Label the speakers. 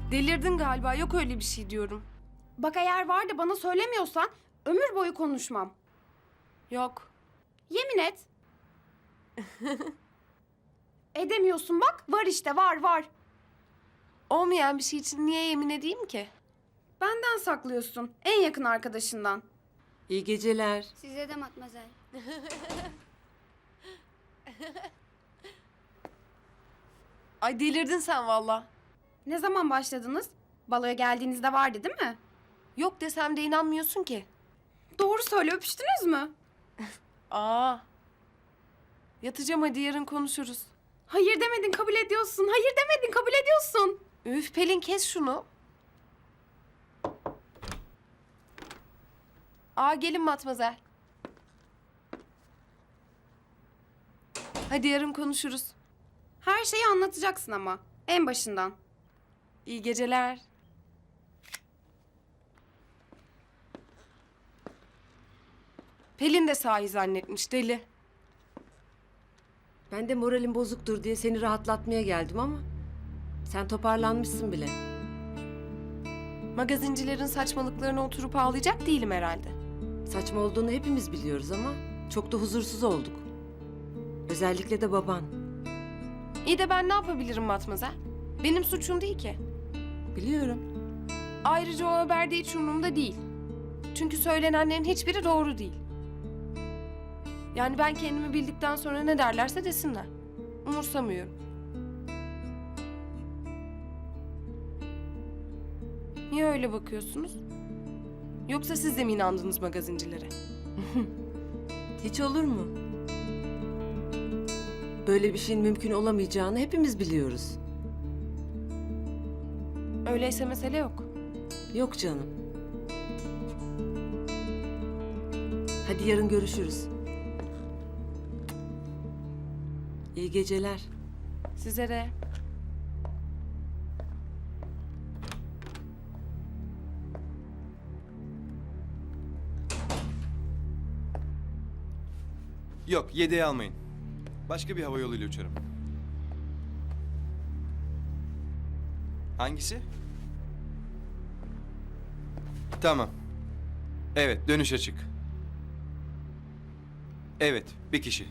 Speaker 1: Delirdin galiba, yok öyle bir şey diyorum.
Speaker 2: Bak eğer var da bana söylemiyorsan ömür boyu konuşmam.
Speaker 1: Yok.
Speaker 2: Yemin et. Edemiyorsun bak. Var işte var.
Speaker 1: Olmayan bir şey için niye yemin edeyim ki?
Speaker 2: Benden saklıyorsun. En yakın arkadaşından.
Speaker 3: İyi geceler.
Speaker 4: Size de matmazel.
Speaker 1: Ay delirdin sen valla.
Speaker 2: Ne zaman başladınız? Baloya geldiğinizde vardı değil mi?
Speaker 1: Yok desem de inanmıyorsun ki.
Speaker 2: Doğru söyle, öpüştünüz mü?
Speaker 1: Aa. Yatacağım, hadi yarın konuşuruz.
Speaker 2: Hayır demedin, kabul ediyorsun. Hayır demedin, kabul ediyorsun.
Speaker 1: Üf Pelin, kes şunu. Aa, gelin Matmazel. Hadi yarın konuşuruz.
Speaker 2: Her şeyi anlatacaksın ama. En başından.
Speaker 1: İyi geceler. Pelin de sahi zannetmiş, deli.
Speaker 3: Ben de moralim bozuktur diye seni rahatlatmaya geldim ama sen toparlanmışsın bile.
Speaker 1: Magazincilerin saçmalıklarına oturup ağlayacak değilim herhalde.
Speaker 3: Saçma olduğunu hepimiz biliyoruz ama çok da huzursuz olduk. Özellikle de baban.
Speaker 1: İyi de ben ne yapabilirim Matmazel? Benim suçum değil ki.
Speaker 3: Biliyorum.
Speaker 1: Ayrıca o haber de hiç umurumda değil. Çünkü söylenenlerin hiçbiri doğru değil. Yani ben kendimi bildikten sonra ne derlerse desinler. Umursamıyorum. Niye öyle bakıyorsunuz? Yoksa siz de mi inandınız magazincilere?
Speaker 3: Hiç olur mu? Böyle bir şeyin mümkün olamayacağını hepimiz biliyoruz.
Speaker 1: Öyleyse mesele yok.
Speaker 3: Yok canım. Hadi yarın görüşürüz. İyi geceler.
Speaker 1: Size de.
Speaker 5: Yok, 7'ye almayın. Başka bir hava yoluyla uçarım. Hangisi? Tamam. Evet, dönüş açık. Evet, bir kişi.